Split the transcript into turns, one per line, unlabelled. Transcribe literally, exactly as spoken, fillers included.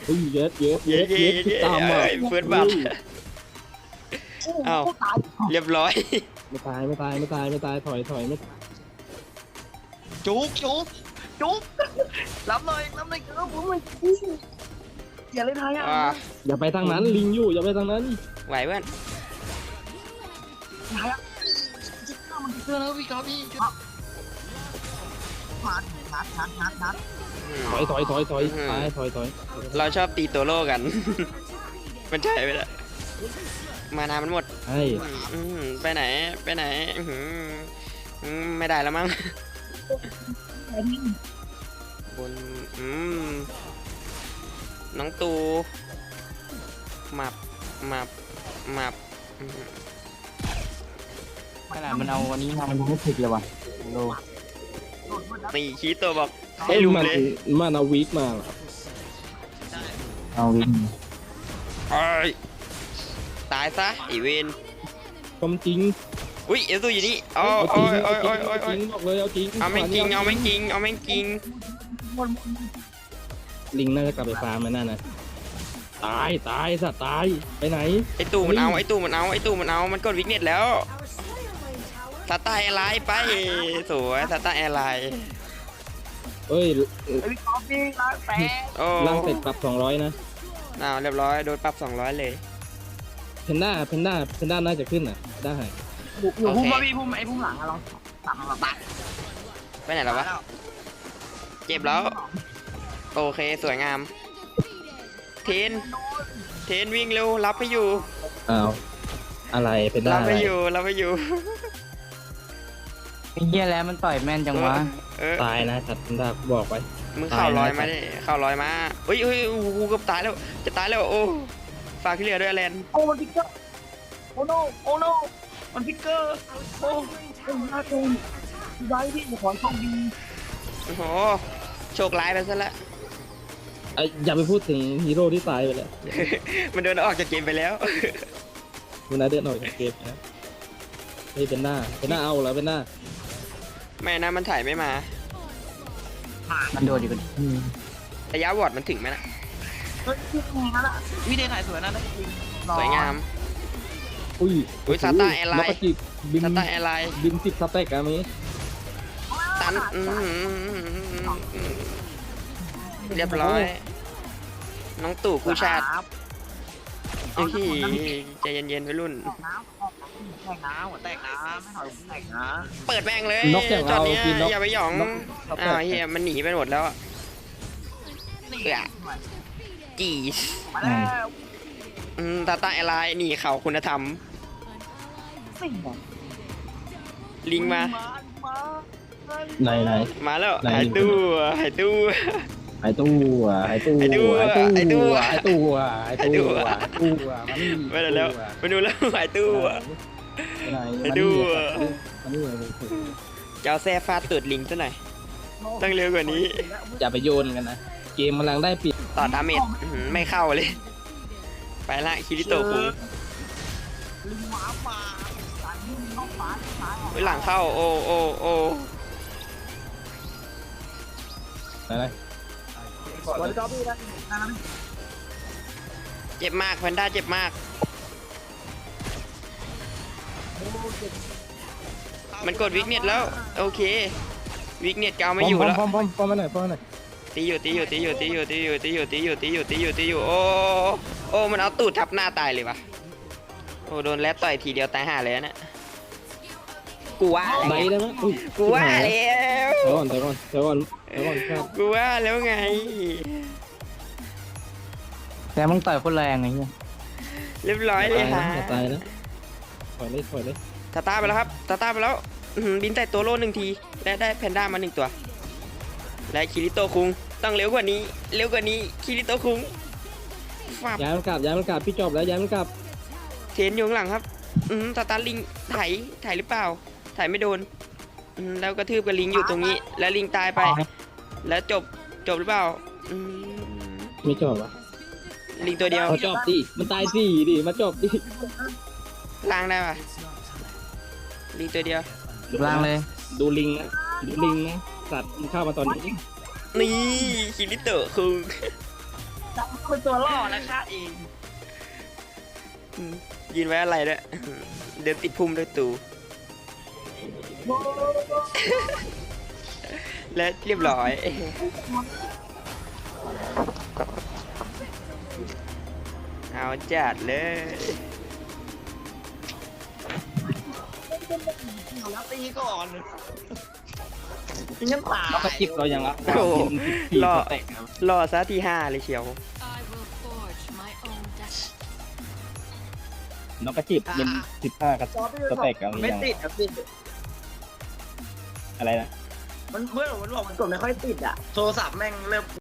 อุ้ยเย็ดเย็ด
เย้
เย็ด
เย้
เย็ด
เย้
ตามมา
เฟิร์สบัตเอ้าเรียบร้อย
ไม่ตายไม่ตายไม่ตายไม่ตายถอยถอยไม่
จุกจุกจุกรับเลยรับเลยครับผมเลยอย่าเลยทายอ่ะ
อ่า
อย่าไปทางนั้นลิงอยู่อย่าไปทางนั้น
ไหวเพื่อน
ทายอ่ะจิ๊กเกอร์มันจิ๊กเกอร์แล้วพี่ครับพี่นัดนัดนัดนัดนัด
อืม
ถอยถอยถอยถอย
อืม
ตายถอยถอย
เราชอบตีตัวโล่กัน มันใช่ไปแล้วมานามันหมด
ใช่
อืมไปไหนไปไหนอื้อหืออืมไม่ได้แล้วมั้งบนอืมน้องตูมับมับมับอืม
ขนาดมันเอาวันนี้มามันยังไม่ถึกเลยว่ะโล
นี่ชี้ตัวบอกให้ลุม
มัน
เลย
มันเอาวีคมาเหรอ
เอาวิ่ง
เอ้ยตายซะอีเวน
ความจริง
อุ้ยเอลซูอยู่นี่โอ้
เอาจ
โอ้
ริง
ยโอ้
เอา
ย
จ
โอ้
ริ
ย
ง
โอ้ย
เอาจริงบอกเลยเอาจริง
เอาแม่งจริงเอาแม่งจริงเอาแม่งจริง
ลิงน่าจะกลับไปฟาร์มมันนั่นนะตายตายสัตว์ตายไปไหน
ไอตู่มันเอาไอตู่มันเอาไอตู่มันเอามันกดวิกเน็ตแล้วสตาร์แอร์ไลน์ไปสวยสตาร์แอร์ไลน์
เอ้ย
พี่ครับพี่รักแปะ
โอ้
ล่างเสร็จปรับสองร้อยนะ
อ้าวเรียบร้อยโดนปรับสองร้อยเลย
เพนด้าเพนด้าเพนด้าน่าจะขึ้นอ่ะได้
อยู่พุ่มมาพี่พุ่มไอ้พุ่มหลังอะเราตัดมาตัด
ไปไหนแล้ววะเจ็บแล้วโอเคสวยงามเทนเทนวิ่งเร็วรับไม่อยู่
อ้าวอะไรเพนด้า
รับ
อะไร
ไม่อยู่รับไม่อยู่
ไอ้เหี้ยแล้วมันต่อยแม่นจังวะ
เออ
ตายนะสัตว์เพนด้าบอกไว้
มึงเข่าลอย
ตายนะ
มาดิเข่าลอยมาเฮ้ยเฮ้ยโอ้โหเกือบตายแล้วจะตายแล้วโอ้ฝากที่เหลือด้วยแลน
โอ้มันพิกเกอร์โอ้โนโอ้โนมันพิกเกอร์โอ้โอ้น่าเกลียดไว้พี่ขอโชคดี
โอ้โหโชคร้ายไปซะแล้ว
เอ้ยอย่าไปพูดถึงฮีโร่ที่ตายไปแล้ว
มันโดนออกจากเกมไปแล้ว
มันน่าเดินออกจากเกมนะนี่เป็นหน้าเป็นหน้าเอาแล้วเป็นหน้า
ไม่นะมันถ่ายไม่มา
มันโดดอยู่กัน
ระยะวอร์ดมันถึงไหมนะ
เฮ้ยพี่แข่งแล้ววิธีถ่ายสวยนะได้จริง
สวยงาม
อุ้ย
อุ๊ยซาต้าแอร์ไลน์
นกกระจิบบิน
สตาร์แอร์ไลน์
บินสิบสเต็กอะมี
ตันอืมเรียบร้อย น้องตู่คู่ชาติเฮ้ยใจเย็นๆไปรุ่น
แตกน้ำแตกน้ำแตกน้ำไม่ถอยแตกน้
เปิดแม่งเลย
นกอย่าง
จอ
เรา
ดเนี้ย
กินนก
อย่าไปหยอง
นกสเต็
อ้าก วเฮียมันหนีไปหมดแล้วอะ
ำนี่
เอื้อ จี
มาแล้ว
อืมตาตาแอร์ไลน์หนีเขาคุณธรรม
นี่
ลิงมา
มา
ไหนไหน
มาแล้ว
ไหน
หายตู้หายตู้
ไอตู้อะไอตู้
ไอ้ตู้
ไอตู้
ไอ้ตู้
ไอตู้ไอตู้ไอตู้อะ
ไปไหนแล้วไปดูแล้วหายตู้อะ
ไหน
ไอ้ตู้
มันนี่
จะเอาแซ่ฟาดตูดลิงซะหน่อย ต้องเร็วกว่านี้
อย่าไปโยนกันนะเกมกำลังได้ปิด
ต่อดาเมจอื้อหือไม่เข้าเลย ไปละคิริโตะคุง
ลิงหมาป่าสายลิงน้องป่าสาย
เฮ้ยหลังเข้าโอ้โอ้โอ้
ไหนไหน
วันก็พี่นะนะ
เจ็บมากแพนด้าเจ็บมาก มันกดวิกเน็ตแล้ว โอเค วิกเน็ตเกาไม่อยู่แล้ว
ป้อมป้อมป้อมมาหน่อยป้อมมาหน่อย
ตีอยู่ตีอยู่ตีอยู่ตีอยู่ตีอยู่ตีอยู่ตีอยู่ตีอยู่ตีอยู่ตีอยู่โอ้โอ้มันเอาตูดทับหน้าตายเลยวะโอ้โดนแรดต่อยทีเดียวตายห่าเลยนะกูว่า
ไหน
แล้ว
ได้ไหมอุ้ย
กูว่าแล้ว
เดี๋ยวก่อนเดี๋ยวก่อนเดี๋ยวก่อนเดี๋ยวก่อนครับ
กูว่าแล้วไง
แต่มึงต่อยคนแรงไงเหี้ย
เรียบร้อยเลยฮะ
อย่าตายนะถอยเลยถอยเลย
ตาตาไปแล้วครับตาตาไปแล้วอื้อหือบินใส่ตัวโล่หนึ่งทีและได้แพนด้ามาหนึ่งตัว และคิริโตะคุงต้องเร็วกว่านี้ เร็วกว่านี้คิริโตะคุงฟับ
ย้ายมันกลับย้ายมันกลับพี่จบแล้วย้ายมันกลับ
เทรนอยู่ข้างหลังครับ อืมตาตาลิงไถไถหรือเปล่าไถไม่โดนอืมแล้วกระทืบกับลิงอยู่ตรงนี้ แล้วลิงตายไป แล้วจบจบหรือเปล่าอืม
ไม่จบวะ
ลิงตัวเดียว
เขาจบดิมันตายสี่ดิมาจบดิ
ล้างได้ปะลิงตัวเดียว
ล่างเลย
ดูลิงนะดูลิงนะสัตว์มันเข้ามาตอนนี้
นี่คิริโตะคุง
ใจจังเป็นตัวล่อแล้วฆ่าเอง
อืมยืนไว้อะไรด้วยเดินติดพุ่มด้วยตูและเรียบร้อย เอาจัดเลย
แล้วตีก่อนงั้นตาย
แล้วก็จิบเรายังรับ
โอ้โห
ที
รอ
สเต็กครับ
รอซะที่ห้าเลยเชียว
I will forge my own destiny.
น้องก็จิบเป็นสิบห้ากับสเต็กเอา
ไม่
อย่าง
ติดครับพี่
อะไรนะ
มันเพื่อนผมมันบอกมันกดไม่ค่อยติดอ่ะโทรศัพท์แม่งเริ่ม